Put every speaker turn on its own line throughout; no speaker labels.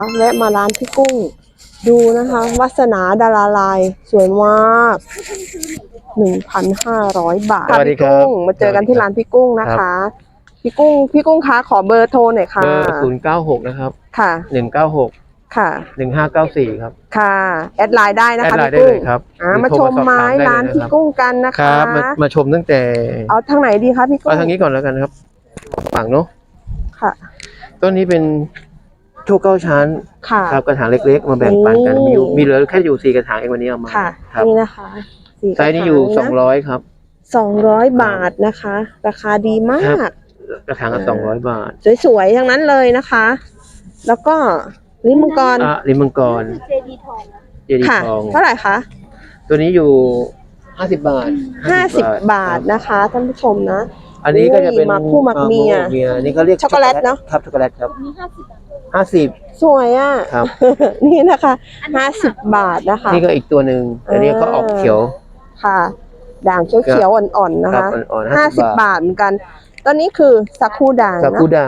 แวะมาร้านพี่กุ้งดูนะคะวาสนาดาราลายสวยมาก 1,500 บาท
สวัสดี
พี่
ครับ
กุ้งมาเจอกันที่ร้านพี่กุ้งนะคะพี่กุ้งคะขอเบอร์โทรหน่อยค่ะ
เบอร์096นะครับ
ค่ะ
196
ค่ะ
1594ครับ
ค่ะแอดไลน์ได้นะ
แอด
คะ
ไลน์
พี่
ได้
กุ้
เล
ง
ยครับ
มาชมไม้ร้านพี่กุ้งกันนะ
ค
คะ
รับมาชมตั้งแต่
เอาทางไหนดีคะพี่กุ้ง
เอาทางนี้ก่อนแล้วกันครับฝั่งเนาะ
ค่ะ
ต้นนี้เป็นโชคเก้าชั้น
ค่ะ
ครับกระถางเล็กๆมาแบ่งปันกัน
นี่
มีเหลือแค่อยู่4กระถางเองวันนี้เอามา
ค่ะ
ครับ
นี่นะคะสี่
ไซส์นี้อยู่
กระถางนะ
200ครับ
200 บาทนะคะ ราคาดีมา
ครั
ก
บ กระถางละ200 บาท
สวยๆทั้งนั้นเลยนะคะ แล้วก็ลิ้นมังกร
ลิ้นมังกร
เจดีทอง
เจดี
ค่ะ
ทอง
เท่าไหร่คะ
ตัวนี้อยู่50 บาท
50 บาทนะคะท่านผู้ชมนะ
อันนี้ก็จะเป็น
หมากคู่หมากเมีย
อันนี้เขาเรียก
ช็อกโกแลตเนอะ
ครับช็อกโกแลตครับ
มี50 บาท
50
สวยอ่ะ
ครับ
นี่นะคะ50 บาทนะคะ
นี่ก็อีกตัวหนึ่งอันนี้ก็ออกเขียว
ค่ะ ด่างเขียวๆอ่อนๆนะ
ครั
คะ
บอ่อนๆ50
50 บาทเหมือนกันตอนนี้คือสักคูด่าง
กับ
นะ
กูด่าง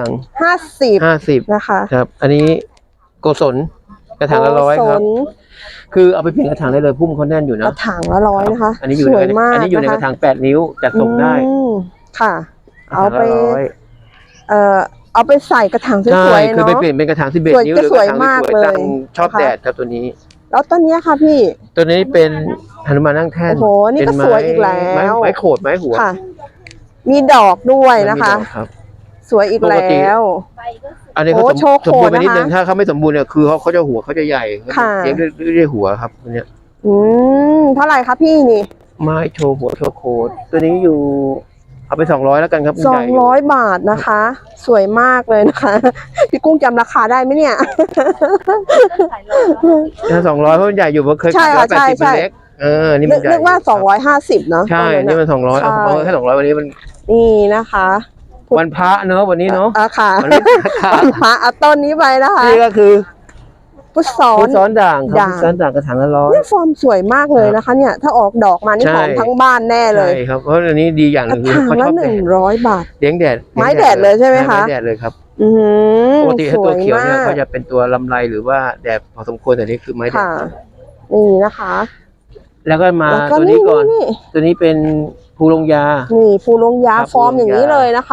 50 นะคะ
ครับ อันนี้โกศลกระถางละ100
โก
ค
ศ
รับ
ล
คือเอาไปเปลี่ยนกระถางได้เลยพุ่มเขาแน่นอยู่
ก
นะ
ระถางละ100นะคะ
อันนี้อยู่
ส
ใน
วยมาก
อันนี้อยู่ในกระถาง8 นิ้วจัดส่งได้
อืมค่ะ เอาไป
กระถางละ100
เอาไปใส่กระถางส
ใช่
วยๆ
คือ
เนาะ
ไปเปลี่ยนเป็นกระถาง11
สวย
นิ้ว
ก็
หรือ
ส
ก
วย
ระถาง
มาก
สวย
เลย
ตั้งชอบ
นะคะ
แดดครับตัวนี้
แล้วต้นเนี้ยค่ะพี่
ตัวนี้เป็นหนุมานนั่งแท่น
โอ้โหนี่ก็
เป็ไม้
สวยอีกแล้ว
ไม้โขดไม้หัว
ค่ะ มีดอกด้วยนะคะ
มีดอกครับ
สวยอีก
ปกติ
แล้ว
ใบก็สวย
อันนี้เขา
โอ้โชว์โข
สมบูรณ์ไป
นนะคะ
นิดนึงถ้าเขาไม่สมบูรณ์เนี่ยคือเขาจะหัวเขาจะใหญ่
ค่ะ
เลี้ยงด้วยหัวครับตัวเนี้ย
เท่าไหร่คะพี่นี่
ไม้โชว์หัวโชว์โคดตัวนี้อยู่เอาไป200แล้วกันครับใหญ่อยู่
200 บาทนะคะ สวยมากเลยนะคะ พี่กุ้งจำราคาได้ไหมเนี่ย
ขายเลย
ถ้า200เพราะมันใหญ่อยู่เพราะเคย
ใช่
ขาย
ค่ะ
180
ใช่
มันเล็กนี่มันใหญ่
นึกว่า250เนาะ
ใช่
ตรง
นี่มัน200เอา
ใช่
เอาแค่200วันนี้มัน
นี่นะคะ
วันพระเนอะวันนี้เนอะ
ค่ะ
วันนี้ค่ะ
วันพระเอาต้นนี้ไปนะคะ
นี่ก็คือ
พุทธซ้อ
พุ
น
ทธซ้อนด่างครับ
ด่าง
พุทธซ้อนด่างกระถางละ100
เนี่ยฟอร์มสวยมากเลยนะคะ เนี่ย ถ้าออกดอกมานี่
ใช่
หอมทั้งบ้านแน่เลย
ใช่ครับเพราะอันนี้ดีอย่างห
ก
นึ่
ระ
งคือ
ถาง
เขาช
ละ
อบแดด
100 บาท
เลี้ยงแดด
ไม้แดดเลยใช่ไหมคะ
ไม้แดดเลยครับ
อืม
ปกติถ้า
ส
ตัว วย เขียวเนี่ย
มาก
เขาจะเป็นตัวลำไรหรือว่าแดดพอสมควรแต่นี่คือไม้แดด
ค่ะ นี่นะคะ
แล้วก็มา
แล้วก็
ตัวนี้ก่อน
นี่
ตัวนี้เป็นภูลงยา
นี่ฟูลงยา
ครับ
ฟอร์มอย่างนี้เลยนะคะ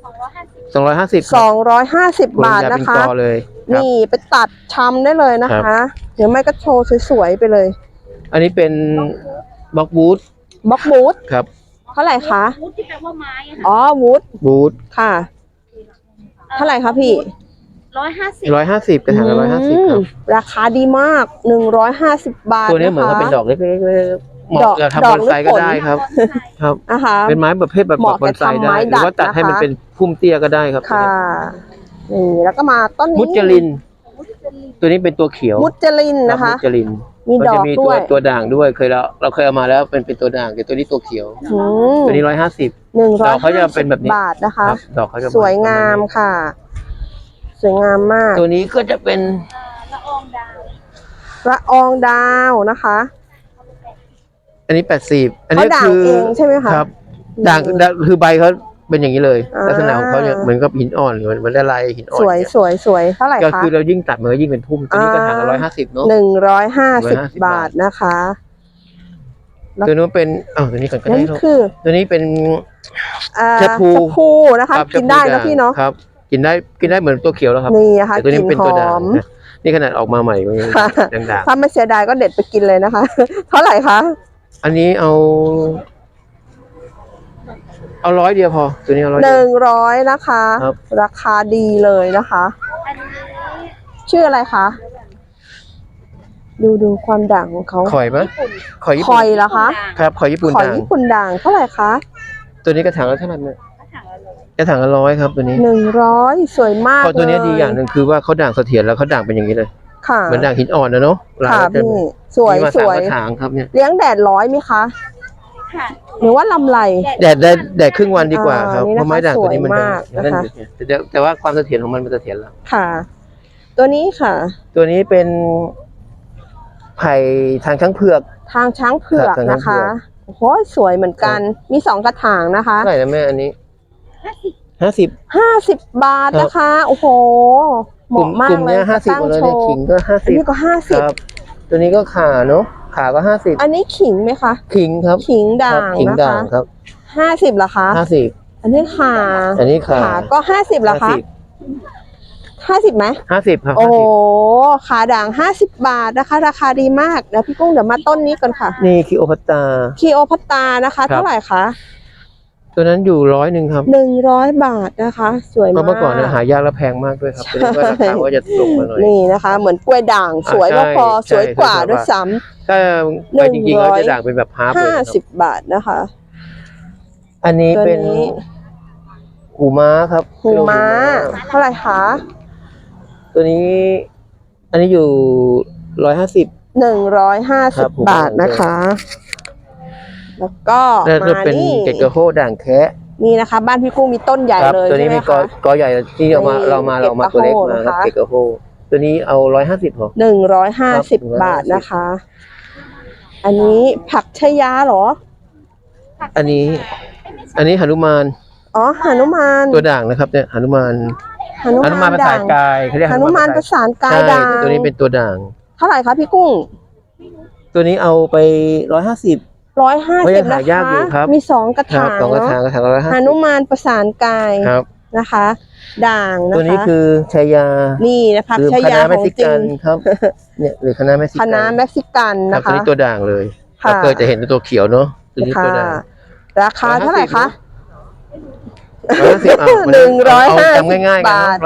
250
250
250 บาทนะคะ
ภูลงยาเป็นกอเลยครับ
นี่ไปตัดชำได้เลยนะคะ เดี๋ยวไม่ก็โชว์สวยๆไปเลย
อันนี้เป็นบล็อกวูด
บล็อกบูธ
ครับ
เท่าไหร่คะ
วูดที่แปลว่าไม้อะค่ะ
อ๋อวูด
วูด
ค่ะ เท่าไหร่คะพี่
150
150กระถางละ150ครับ
ราคาดีมาก 150 บาท
ตัวนี้เหมือนกับเป็นดอกเล็กๆเหมาะกับทำบอนไซก็ได้ครับ ครับ
นะคะ
เป็นไม้ประเภทแบบ
เหมาะ
บอนไซ
กับทำไม้
ได้หรือว่า
ดัด
ตัดให้มัน
นะคะ
เป็นพุ่มเตี้ยก็ได้ครับ
ค่ะ นี่แล้วก็มาต้นนี้
มุจลิน ตัวนี้เป็นตัวเขียว
มุจลินนะคะ
มุจลิน
มี
มัน
ดอ
จะ
ก
มี
ด้วย
ตัวด่างด้วยเราเคยเอามาแล้วเป็นตัวด่างแต่ตัวนี้ตัวเขียว
อืม
ตัวนี้150 ดอกเขาจะเป็นแบบนี้
บาทนะคะ
ครับดอกเขาจะ
สวยงามค่ะ สวยงามมาก
ตัวนี้ก็จะเป็น
ละอองดาว
ละอองดาวนะคะ
อันนี้80อันนี้
เขาด่าง
คือ
เองใช่ไหมคะ
ครับด่างคือใบเขาเป็นอย่างนี้เลย
อ่า
ลักษณะของเขาเนี่ยเหมือนกับหินอ่อนเหมือนละลายหินอ่อน
สวย
เนี่ย
สวยสวยเท่าไหร่
ก็
คะ
คือเรายิ่งตัดมันก็ยิ่งเป็นพุ่มตัวนี้กระถางละ150เนาะ
150 บาทนะคะ
ตัวนู้นเป็นตัวนี้ก่อนก็
นั่
ได้
น
เนอะ
คือ
ตัวนี้เป็น
ชะ
ชะพู
พูนะคะ
ครับ
กินได้
ชะ
นะพี่เนาะ
ครับ กินได้เหมือนตัวเขียวแล้วครับ
นี่นะคะ
แต่ตัว
ก
นี้
ลิ่น
เป็น
ห
ตัว
อ
ด่าง
ม
นะนี่ขนาดออกมาใหม่มันยัง
ค่ะ
ด่าง
ถ้าไม่เสียดายก็เด็ดไปกินเลยนะคะ เท่าไหร่คะ
ๆอันนี้เอา100เดียวพอตัวนี้เอา100เดียว
100นะคะ
ครับ
ราคาดีเลยนะคะ
อันนี้
ชื่ออะไรคะ ดูความด่างของเขา
ข่อยไหมข่อยญี่
ค
ปุ่
อน ยเหรอคะ
ครับข่อยญี่ปุ่น
ข่อย
ด่าง
ญี่ปุ่นด่างเท่าไหร่คะ
ตัวนี้กระถางละเท่าไหร่เนี่ย
กระถางละ100
กระถางละ100ครับตัวนี้
100สวยมาก
เพราะตัวนี้
เลย
ดีอย่างหนึ่งคือว่าเขาด่างเสถียรแล้วเขาด่างเป็นอย่างนี้เลย
ค่ะ
เหมือนด่างหินอ่อนนะเนาะ
ค่ะ
ลาย
พี่สวย
มีมา
ส
3
วย
กระถางครับเนี่ย
เลี้ยงแดดร้อยไหมคะ
ค่ะ
หรือว่าลำไร
แดดครึ่งวันดีกว่าครับ
นี่
เพ
นะคะ
ราะไม้ด่างตัวนี้มัน
สวยมาก
จะ
นะคะ
แต่ว่าความเสถียรของมันเสถียรแล้ว
ค่ะ ตัวนี้ค่ะ
ตัวนี้เป็นไผ่ทางช้างเผือก
ทางช้างเผือก
ครับทางช้าง
นะ
เผื
คะ
อก
โอ้โหสวยเหมือนกัน มี2กระถางนะคะ
เท่าไหร่นะแม่อันนี้50
50 บาทนะคะ โอ้โหเหมาะมาก
กลุ่ม
เลย
เนี้ย50
ตั้ง
เลย
โช
เนี่ย
ว์
ขิงก็
อันนี้ก็
50ครับ ตัวนี้ก็ขาเนาะขาก็50
อันนี้ขิงไหมคะ
ขิงครับ
ขิงด่าง
ขิง
นะ
ด่า
คะ
งครับ
50เหรอคะ
50
อันนี้ขา
อันนี้ขา
ก็50เหรอคะ50ไหม
50ครับ
โอ้ขาด่าง 50 บาทนะคะ ราคาดีมากเดี๋ยวพี่กุ้งเดี๋ยวมาต้นนี้กันค่ะ
นี่คิโอพัตตา
คีโอพัตตานะคะ
ครับ
เท่าไหร่คะ
ตัวนั้นอยู่100ครับ
100 บาทนะคะ สวย
เพ
มา
ราะ
ก
เมื่อก่อนเนี่ยหายากและแพงมากด้วยครับตัวนี้ก็ราคาก็จะตกมาหน่อย
นี่นะคะ เหมือนกล้วยด่างสวย
ใช่
ก็พอ
ใช่
สวยกว่า
ใช่
ด้วยซ้
ถ้าไปจริงๆก็จะด่างเป็นแบบฮาร์ปเลยครับ
ำ50 บาทนะคะ
อันนี้
ตัว
เป็น
นี้
หูม้าครับ
หูม้าเท่าไหร่คะ
ตัวนี้ อันนี้อยู่150 ครับผม
150 บาทนะคะ แล้วก็
แล้วก็
มา
เป็น
นี่
เกตกระโฮด่างแคะ
นี่นะคะ บ้านพี่กุ้งมีต้นใหญ่
ครับ
เลย
ตัว
ใช่
นี้
ไหม
เป็น
คะ
กอใหญ่ที่เอามา
นี่
เรามาตัวเล็กมาครับ
เก
เก
ต
ต
ก
ก
ระ
ระ
โฮ
โฮ
นะคะ
ตัวนี้เอา150พอ
150 บาทนะคะ อันนี้ผักชะยาเหรอ
อันนี้หนุมาน
อ๋อหนุมาน
ตัวด่างนะครับเนี่ยหนุมาน
หนุ
หนุมานประสานกายเขาเรียก
หนุมานประสานกาย
ใช่
ด่าง
ตัวนี้เป็นตัวด่าง
เท่าไหร่คะพี่กุ้ง
ตัวนี้เอาไป150 ก็ยัง
150
หา
นะ
ยาก
คะ
อยู่ครับ
มี2 กระ
ครั
ถา
บ
ง
สองกระถาง
เนาะ
กระถางละ
หนุมานประสานกาย
150ครับ
นะคะ ด่างนะคะ
ตัวนี้คือชายา
นี่นะคะ
หรือ
ชา
ค
ยา
ณะ
ข
เม็
อก ง
ซิ
จริ
กั
ง
นครับ เนี่ยหรือคณะเม็กซิ
ค
กัน
ณะเม็กซิกัน
ครับ
นะ
ตัว
คะ
นี้ตัวด่างเลย
ค่ะ
เราเคยจะเห็นตัวเขียวเนาะตัวนี้
ค่ะ
ตัวด่าง
ราคาเท่าไหร่คะ
150เอา
150
จำง่ายๆกัน
บาท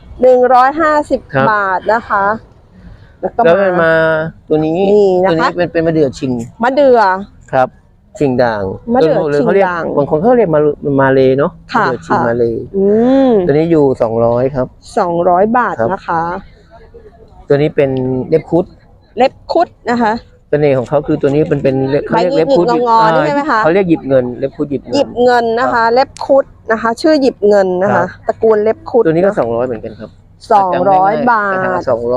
150 ครับ
150 บาทนะคะ แล้วก็
แล้วมันมาตัวนี้
นี่นะ
ตัว
คะ
นี้เป็นมะเดื่อชิง
มะเดื่อ
ครับ ชิงด่าง
มะเดื่อ
หรือ
ชิง
เขาเรียก
ด่าง
บางคนเขาเรียกมาเลเนาะ
ค่ะ
มะเดื่อชิง
ค่ะ
มาเล
อืม
ตัวนี้อยู่200ครับ
200 บาท
ครับ
นะคะ
ตัวนี้เป็นเล็บคุด
เล็บคุดนะคะ
เสน่ห์ของเขาคือตัวนี้เป็นเขาเรียก
ใบหยิ
เล็
บบ
คุด
งอๆนี่ใช่ไหมคะ
เขาเรียกหยิบเงินเล็บคุดหยิบเงิน
หยิบเงินนะคะ เล็บคุดนะคะ ชื่อหยิบเงินนะ
ครั
คะ
บ
ตระกูลเล็บคุด
ตัวนี้ก็
เอะ
200เหมือนกันครับ
200 บาท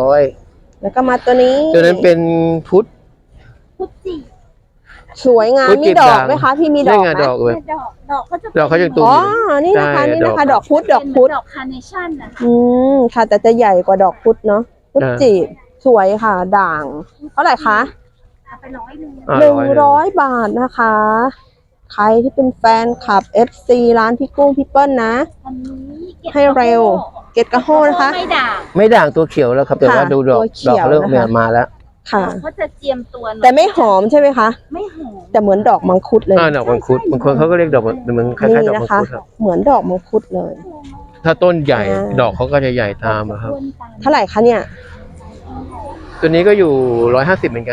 200
แล้วก็มาตัวนี้
ตัวนั้นเป็นพุทธ
พุทธิ
สวยงาม
พุทธ
มี
จีบ
ดอก
ด่าง
ไหมคะพี่มีด
ได้
อก
ไง
ไหม
ดอกเลย
ดอกก็จะ
ดอกเขาจะตูม
อ๋อ นี่นะคะ
ใช่
นี่นะคะ
ด
ด
อ
อก กพุธดอกพุธ
ดอกคาร์เนชั่นนะคะ
อืมค่ะแต่จะใหญ่กว่าดอกพุธเนาะพุธจีบสวยค่ะ ด่าง เท่าไหร่คะ
เอาไป100
อ่า
100 บาทนะคะ ใครที่เป็นแฟนคลับ FC ร้านพี่กุ้งพี่เปิ้ลนะ
อันนี้ก็บ
ให้เร็ว เกตกระโฮนะคะ
ไม่ด่าง
ไม่ด่างตัวเขียวแล้วครับแต่ว่า
ค่ะ
ดูดอก
ตัวเขี
ดอก
ยว
เขาเริ่ม
นะคะ
มาแล้ว
ค่ะ
เขาจะเจียมตัวหน่อย
แต่ไม่หอมใช่ไหมคะ
ไม่หอม
แต่เหมือนดอกมังคุดเลย
ดอกมังคุดบางคนเขาก็เรียกดอกเหมือนคล้ายๆดอก
นะ
มัง
คะ
คุดครับ
เหมือนดอกมังคุดเลย
ถ้าต้นใหญ่
อ่า
ดอกเขาก็จะใหญ่ตามอะครับ
เท่าไหร่คะเนี่ย
ตัวนี้ก็อยู่150เหมือนกัน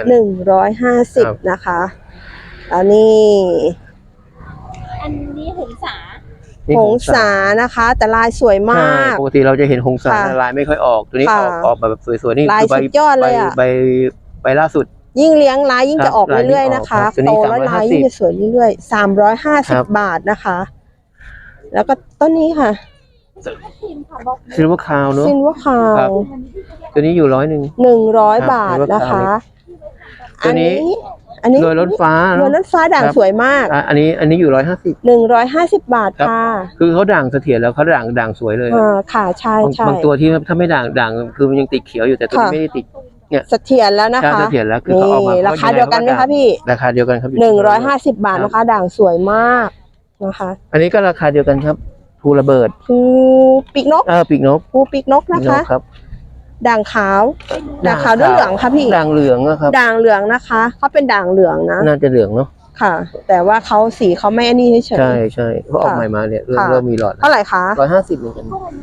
150นะคะแล้วนี่
อันนี้หงสา
นี่
หงสานะคะ แต่ลายสวยม
ใช่
าก
ปกติเราจะเห็นหงสา
ค่ะ
ลายไม่ค่อยออก ตัวนี้
ค่ะ
ออกแบบสวยๆนี่
ลาย
คือใบ
สุดยอดเลยอะ
ใบล่าสุด
ยิ่งเลี้ยงลายยิ่ง
ครับ
จะออก
ลายยิ่ง
เรื่อยๆ
ออก
นะคะ
ครับตัวนี้
โตแล้วลาย
350
ยิ่งจะสวยเรื่อยๆ
ครับ
350 บาทนะคะ แล้วก็ต้นนี้ค่ะ
ทีมค่ะบอก
ซิลเวอร์คาวเนอะ
ซินว่าคา
ครับ
ว
ตัวนี้อยู่100
100 บาทนะคะ
ตัวนี้
อันนี้
โรยล้นฟ้า
โรยล้นฟ้าด่าง
ครับ
สวยมาก
อันนี้อยู่150
150 บาท
ครับ
ค่ะ
คือเขาด่างเสถียรแล้วเขาด่างสวยเลย
ค่ะใช่
บาง
ใช่
บางตัวที่ถ้าไม่ด่างคือมันยังติดเขียวอยู่แต่ตัวนี้
ค่ะ
ไม่ได้ติด
เสถียรแล้วนะ
ใช่
คะ
เสถียรแล้วคือเขาออกมา
นี่ราคาเดียวกันไหมคะพี่
ราคาเดียวกันครับ
150 บาทนะคะ ด่างสวยมากนะคะ
อันนี้ก็ราคาเดียวกันครับภูระเบิด
ภูปีกนก
ปีกนก
ภูปีกนก
ปี
นะ
กน
คะ
กครับ
ด่างขาวด่างขาวด้วยเหลืองค่ะพี่
ด่างเหลืองอะครับ
ด่างเหลืองนะคะเขาเป็นด่างเหลืองนะ
น่าจะเหลืองเนาะ
ค่ะ แต่ว่าเขาสีเขาไม่อันนี้เฉย
ใช่เขาออกใหม่มาเนี่ยเริ่ม
ค่ะ
เริ่มมีหลอด
ๆเท่าไหร่คะ
150เหมือนกัน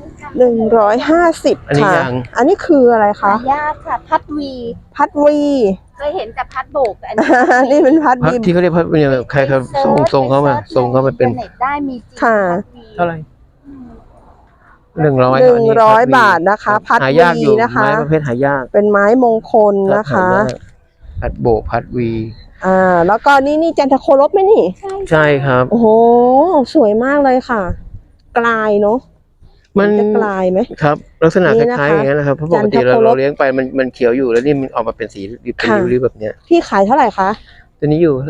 150
อันนี้
ค่ะ
ยัง
อันนี้คืออะไรคะ
หายากค่ะ พัดวี
พัดวี
เคยเห็นแต่พัดโบกแต่อันนี้
นี่เป็นพัด
พัด
วี
ที่เขาเรียกพัดเนี่ยใครเขาส่งเข้ามาเป็น
อินเทอร์เน็ตได้มีจริง
ค่ะ
พัดวี
เท่าไหร่100
100 บาทนะคะ พัด
หายาก
วี
อยู่
นะคะ
ไม้ประเภทหายาก
เป็นไม้มงคลนะ
หา
คะ
ยากพัดโบกพัดวี
แล้วก็นี่จันทโคลบไหมนี่
ใช่ครับ
โอ้โห สวยมากเลยค่ะ กลายเนาะ
มัน
จะกลายไหม
ครับลักษณะ
นี่
ค
นะคะ
ล้ายๆอย่างนั้นนะครับเพราะปกติ
จันทโคลบ
เราเลี้ยงไปมันเขียวอยู่แล้วนี่มันออกมาเป็นสีเป็น
ค่ะ
ริ้วๆแบบเนี้ย
พี่ขายเท่าไหร่คะ
ตัวนี้อยู่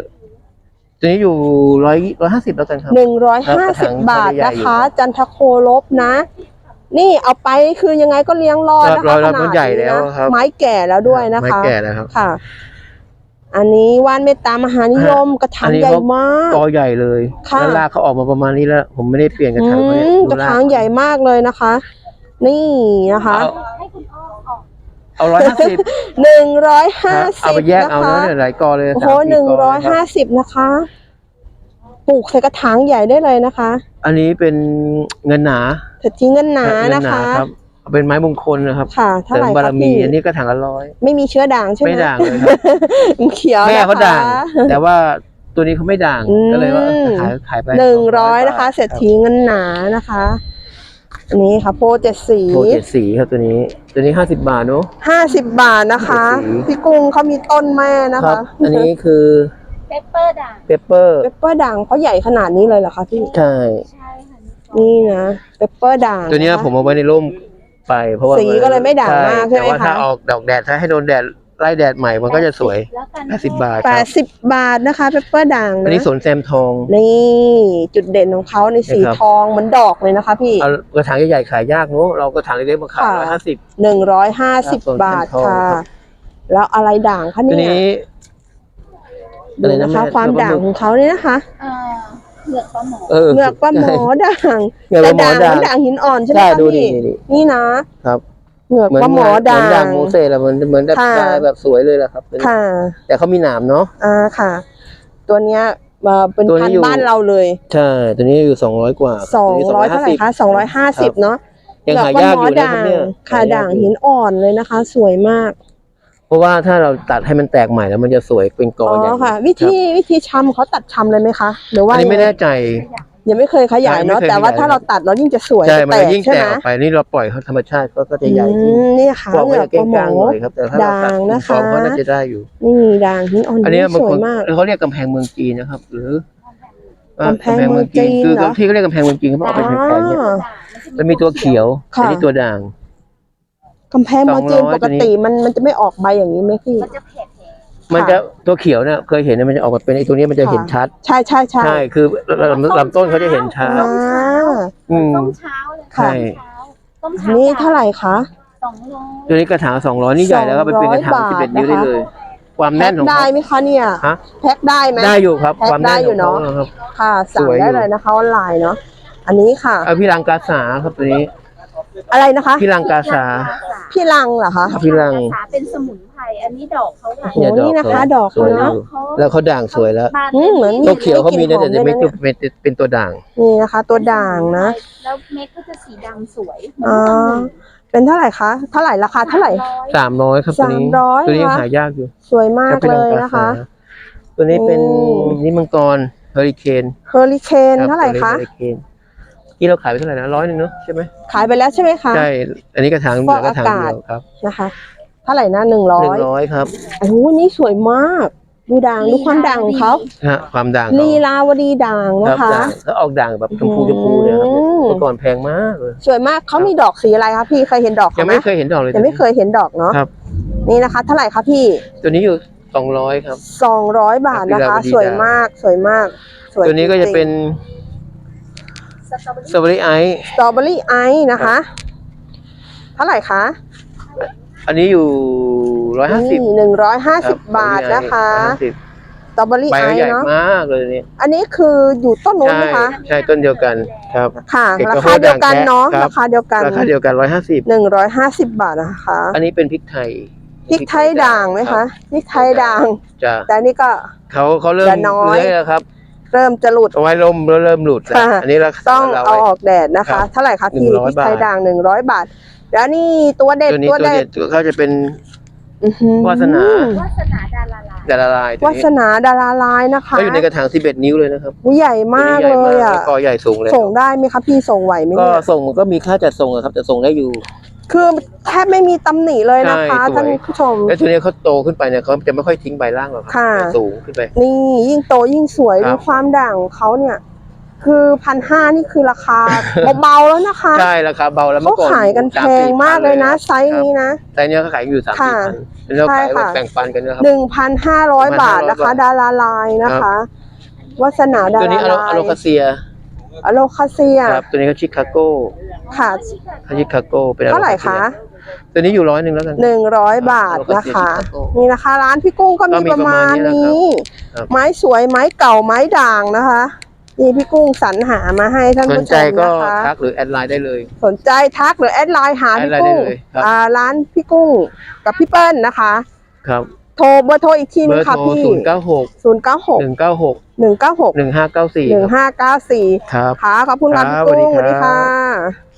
150แล้วกันครับ
150 บาทนะคะ จันทโคลบนะนี่เอาไปคือยังไงก็เลี้ยงรอดนะ
รอ
คะ
ดมันใหญ่แล้วครับ
ไม้แก่แล้วด้วยนะคะ
ไม้แก่แล้วครับ
ค่ะ อันนี้ว่านเมตตามหานิยมกระถาง
อันนี้
ใหญ่
เขา
มาก
กอใหญ่เลย
ค่ะ
แล้วรากเขาออกมาประมาณนี้แล้ว ผมไม่ได้เปลี่ยนกระถางเขาเนี่ย
กระถางใหญ่มากเลยนะคะ นี่นะคะ
ให้คุณอ้อออก
เอา150
150
เอาไปแยก
นะ
เอา
คะ
เนาะเนี่ยหลายกอเลย
โอ้โห
3-4กอครับ
150นะคะปลูกใส่กระถางใหญ่ได้เลยนะคะ
อันนี้เป็นเงินหนา
เศรษฐีเงินหนานะคะ
ครับเอาเป็นไม้มงคลนะครับ
ค่ะเท่า
เสริ
ไห
ม
ร่
บาร
คะ
มี
พี่
อันนี้กระถางละ100
ไม่มีเชื้อด่างใช่ไหม
ไม่ด่างเลยครับ
เขียว
แม่
นะคะ
เขาด่าง แต่ว่าตัวนี้เขาไม่ด่าง ก็เลยว่าขายไป
100นะคะ เศรษฐีเงินหนานะคะ อันนี้ค่ะโพเจ็ดสี
โพ7สีครับตัวนี้50 บาทเนาะ
50 บาทนะคะ
เจ็ดสี
พี่กุ้งเขามีต้นแม่นะ
ครั
คะ
บ อันนี้คือ
เปปเปอร์ด่าง
เปเปอร์
เปปเปอร์ด่างเขาใหญ่ขนาดนี้เลยเหรอคะพี่
ใช่
ใช่ค่ะ
นี่นะเปปเปอร์ด่าง
ตัวเนี้ย
ะคะ
ผมเอาไว้ในร่มไปเพราะว่า
สีก็เลยไม่ด่างมากใช่ไหม
แต่ว่า
คะ
ถ้าออกดอกแดดถ้าให้โดนแดดไล่แดดใหม่มันก็จะสวย
แล้วกัน
80 บาทครับ
80 บาทนะคะเปปเปอร์ด่าง
อัน
นะ
นี้สวนแซมทอง
นี่จุดเด่นของเขาในสี
นะครับ
ทองเหมือนดอกเลยนะคะพี่
เอากระถางใหญ่ๆขายยากเนอะเรากระถางเล็กๆมาขาย
ค่ะ
150
150 บาทค่ะ แล้วอะไรด่างคะ
ตัว
เนี่ย
นี้
ดูนะคะความด่างของเขาเนี่ยนะคะ
เหลือกปลาหมอ
เหงือกปลาหมอด่าง
เหงือกป
แต่
ลาหมอ
ด่าง
ด่าง
มันด่างหินอ่อนใช่ไหม
ใช่
คะ
ดู
พี่
ดิ
นี่นะครับ เหงือก
เหมือน
ปลาหมอด่า
ด่าง งโมเสสอะเหมือนแบบ
ค่ะ
ลายแบบสวยเลยแหละครับ
ค่ะ
แต่เขามีหนามเนาะ
ค่ะ ตัวเนี้ยเป็น
ตัวนี้
พัน
อยู่
ธุ์บ้านเราเลย
ใช่ตัวนี้อยู่200 กว่าตัวนี้
200เท่าไหร่คะ250เนาะ
ยังหายากอยู่นะครับเนี่ย
ค่ะด่างหินอ่อนเลยนะคะ สวยมาก
เพราะว่าถ้าเราตัดให้มันแตกใหม่แล้วมันจะสวยเป็นกอ
อ๋อ
ใหญ่
ค่ะ วิธีชำเขาตัดชำเลยไหมคะหรือ
อั
ว่าน
นี้ไม่แน่ใจ
ยังไม่เคยขยายเนาะ
ไม่เคย
แต่ว่า
ขยาย
ถ้าเราตัดเรายิ่งจะสวย
ใช่
จะ
มัน
แต
จะ
ก
ยิ่ง
ใช่
แต
ไหม
กออกไปนี่เราปล่อยเขาธรรมชาติก็จะใหญ่ขึ้น
นี่ค่ะ
บอก
เหงื
ว่า
อก
จะ
ปลาหม
ก้าง
อ
ๆหน่อยครับแต่ถ้าเราตัด
ด่างนะคะ
ฟอร์มเขาน่าจะได้อยู่
นี่ด่างหินอ่อน
อันนี้บาง
สว
ค
ย
น
มาก
เขาเรียกกำแพงเมืองจีนนะครับ หรือก
ำแพงเมืองจีน
คือ
เหรอ
ที่เขาเรียกกำแพงเมืองจีนเขาบอกเอาเป็นแผ่นๆเนี่ย
อ๋อ
มันมีตัวเขียว
ค่ะ
อันนี้ตัวด่าง
กำแพงเมืองจีน
200
ปกติมันจะไม่ออกใบอย่างนี้ไหมพี่
มันจะเผ็ด
มันจะตัวเขียวเนี่ยเคยเห็นเนี่ยมันจะออกมาเป็นไอ้ตัวนี้มันจะเห็นชัด
ใช่ใช่ใช่
ใช่คือลำต้นเขาจะเห็นชัด
อ่า
อืม
ต้มเช้าเลย
ใช่
ต้มเช้า
นี่เท่าไหร่คะ
200
ตัวนี้กระถาง200นี่ใหญ่แล้วก็เป็นกระถาง
200
11 นิ้วได้เลย ความ
แพ็
แน่
คน
ของ
ได้
เขา
ไหมคะเนี่ย
ฮะ
แพ็คได้ไหม
ได้อยู่ครับ
แพ็ค
ความแน่น
ได้
ข
อยู่
องเขา
เนอะ
ครับ
ค่ะสั่ง
สวยอยู่
ได้เลยนะคะออนไลน์เนาะอันนี้ค่ะ
เอาพี่ลังกาสาครับตัวนี้
อะไรนะคะ
พี่ลังกาสา
พี่ลังเหรอคะ
พี่ลัง
สาเป็นสมุนไพรอันนี้ดอกเขาค่ะ
โอ้นี่นะคะดอก
สวย
เขา
อ
เนอะ
ยู่แล้วเขาด่างสวยแล้ว
บาน
เหมือน
ตัวเขียวเขามีนะแต่ไม่
กลิ่นหอมด้วยนะเนี่ย
เป็นตัวด่าง
นี่นะคะ ตัวด่างนะ
แล้วเม็ดก็จะสีดำสวย
อ๋อเป็นเท่าไหร่คะเท่าไหร่ราคาเท่าไหร่
300ครับตัวนี้
300
ตัวนี้
ค่ะ
หายากอยู่
สวยมาก
ถ้าเป็น
เล
ลัง
ย
กา
นะคะ
สาตัวนี้เป็น
อืม
นี่มังกรเฮอริเคน
เฮอริเคน
ครับ
เท่าไหร่คะ
ตัวนี้ Hurricane ที่เราขายไปเท่าไหร่นะ100 เนอะใช่ไหม
ขายไปแล้วใช่ไหมคะ
ใช่ อันนี้กระถางเหลือกระถางเดียวครับ
นะคะ เท่าไหร่นะ100
100ครับ
โอ้โหนี่สวยมากดูด่างดูความด่างของเขา
ฮะความด่าง
ลีลาวดีด่าง
ค
นะ
รับ
คะ
ด่างแล้วออกด่างแบบชมพูเนี่ยครับ
อืม
เมื่อก่อนแพงมากเลย
สวยมากเขามีดอกสีอะไรคะพี่เคยเห็นดอก
ยั
เขา
ง
ไหม
ไม่เคยเห็นดอกเลย
ยังไม่เคยเห็นดอกเนาะ
ครับ
นี่นะคะ เท่าไหร่คะพี่
ตัวนี้อยู่200ครับ
200 บาทนะคะ
ลีลาวดี
สวยมากสวยมากสวย
ตัวนี้ก็จะเป็น
สตรอเบอรี่
สตรอเบอรี่ไอซ์
สตรอเบอรี่ไอซ์นะคะ เท่าไหร่คะ
อันนี้อยู่150
นี่150 บาทนะคะ สตรอเบอรี่
ใบ
ไอ
ก็
ซ์
ใหญ่
เนาะ
มากเลยเนี่ย
อันนี้คืออยู่ต้นนู้น
ใช่
ไหมคะ
ใช่ต้นเดียวกันครับ
ค่ะ
เอก
รา
โค
คาเดียวกันเนาะ
ครับ
ราคาเดียวกัน
ราคาเดียวกัน
150 บาทนะคะ
150 อันนี้เป็นพริกไทย
พริกไทยด่างไหมคะพริกไทยด่าง
จะ
แต่อันนี้ก็
เขาเริ่ม
จะน้อย
เลื้อยแล้วครับ
เริ่มจะหลุด
เอาไว้ร่มแล้วเริ่มหลุดแล้ว
ค่ะ
อันนี้ราคา
ต้อง
เรา
เอาออกแดดนะ
ครั
คะ
บ
เท่าไหร่คะพี่
100
พริกไทยด่าง100 บาท แล้วนี่ตัวเด็ด
ตัวนี้
ตัว
ตัว
เด็
เด็
ด
ดเขาจะเป็น
อื้อหือ
วาสนา
วาสนาดาราลาย
ดาราลายตัว
วา
นี้
สนาดาราลายนะคะ
ก็อยู่ในกระถาง11 นิ้วเลยนะครับ
ใหญ่มาก
ตัวนี้
เล
ใหญ่
ยอ่ะ
แล้วก็ใหญ่สูงเลย
ส่งได้ไหมคะพี่ส่งไหวไหม
ก็
เนี่ย
ส่งก็มีค่าจัดส่งอะครับแต่ส่งได้อยู่
คือแทบไม่มีตำหนิเลยนะคะ
ใช่สวย
ท่านผู้ชม
แล้วตัวนี้เขาโตขึ้นไปเนี่ยเขาจะไม่ค่อยทิ้งใบล่างหรอกครั
ค่ะ
จะสูงขึ้นไป
นี่ยิ่งโตยิ่งสวย
ครั
ดู
บ
ความด่างของเขาเนี่ย คือ1,500นี่คือราคา เบาๆแล้วนะคะ
ใช่ราคาเบาแล้ว
เขา
เมื่อก่อน
ขายกันแพงมากเลยนะ ไซส์นี้นะ
แต่เนี้ยเขาขายอยู่3-4
ค่ะ
พันแล้วเราขาย
ใช่
แบบ
ค่ะ
แบ่งปันกันนะครับ
1,500 บาทนะคะ
บาท
ดาราลายนะคะวาสนาดา
ตัวนี้
รา
อะ
ลาย
โลคาเซีย
อโลคาเซีย
ครับตัวนี้ก็ชิคาโก้
ค่ะ
ชิคาโก้เป็น
เท่าไหร่คะ
ตัวนี้อยู่100แล้วกัน
100 บาทนะคะ
ชิคาโก้
นี่นะคะ ร้านพี่กุ้งก็มี
ก็มี
ประมาณ
ประมาณนี้
นี้
นะครับ
ไม้สวยไม้เก่าไม้ด่างนะคะ นี่พี่กุ้งสรรหามาให้ท่าน
สน
ผู้ช
ใจ
ม
ก็
นะคะ
ทักหรือแอดไลน์ได้เลย
สนใจทักหรือแอดไลน์หาพี่
แอดไลน์ได้
กุ้ง
เลยครับ
ร้านพี่กุ้งกับพี่เปิ้ลนะคะ
ครับ
โทรเบอร์โทรอีกที
เบ
นึ
อง ร์
ค่ะ
โทร
พี่
096
096
196
196
1594
1594
ครับ
ค่ะขอบคุณค่ะ
ครั
พี่
บ
กุ้ง
ส
ส
วั
วั
ส
ส
ดี
ดี
ครั
ค่ะ
บ